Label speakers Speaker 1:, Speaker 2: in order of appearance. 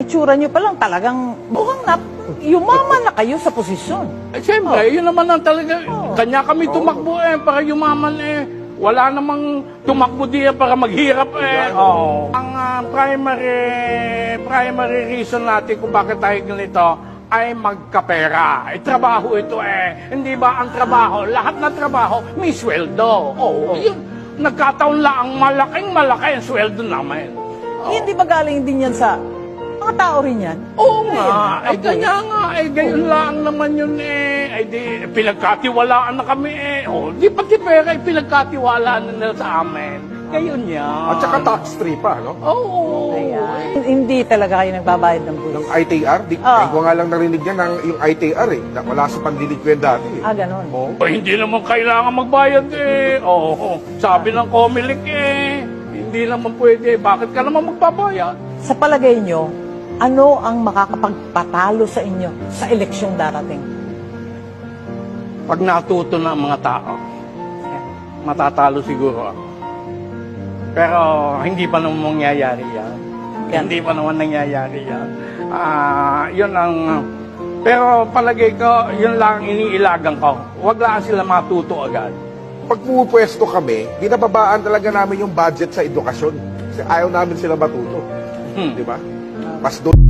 Speaker 1: itsura nyo pa lang talagang mukhang yumaman na kayo sa posisyon.
Speaker 2: Eh, siyempre, yun naman ang talaga. Kanya kami tumakbo para yumaman Wala namang tumakbo diya para maghirap Ang primary reason natin kung bakit tayo ganito ay magkapera. Trabaho ito Hindi ba ang trabaho, lahat ng trabaho may sweldo. Yun. Nagkataon lang ang malaki ang sweldo namin.
Speaker 1: Hindi ba galing din yan sa mga tao rin yan?
Speaker 2: Oo nga, kanya nga, gayon lang naman yun di, pinagkatiwalaan na kami di pati pera, pinagkatiwalaan na nila sa amin. Gayon yan.
Speaker 3: At saka tax-free pa, no?
Speaker 2: Oo.
Speaker 1: Ayan. Hindi talaga kayo nagbabayad ng buwis.
Speaker 3: Ng ITR, ngayon ko nga lang narinig yan yung ITR na wala sa panliligwed dati.
Speaker 1: Ganon.
Speaker 2: Hindi naman kailangan magbayad sabi ng Comelec hindi naman pwede. Bakit ka naman magbabayad?
Speaker 1: Sa palagay nyo, ano ang makakapagpatalo sa inyo sa eleksyong darating?
Speaker 2: Pag natuto na ang mga tao, matatalo siguro ako. Pero hindi pa naman mangyayari yan. Hindi pa naman nangyayari yan. Yun ang... Pero palagay ko, yun lang iniilagan ko. Huwag lang sila matuto agad.
Speaker 3: Pag pumupwesto kami, binababaan talaga namin yung budget sa edukasyon. Kasi ayaw namin sila matuto. Di ba? Mas doon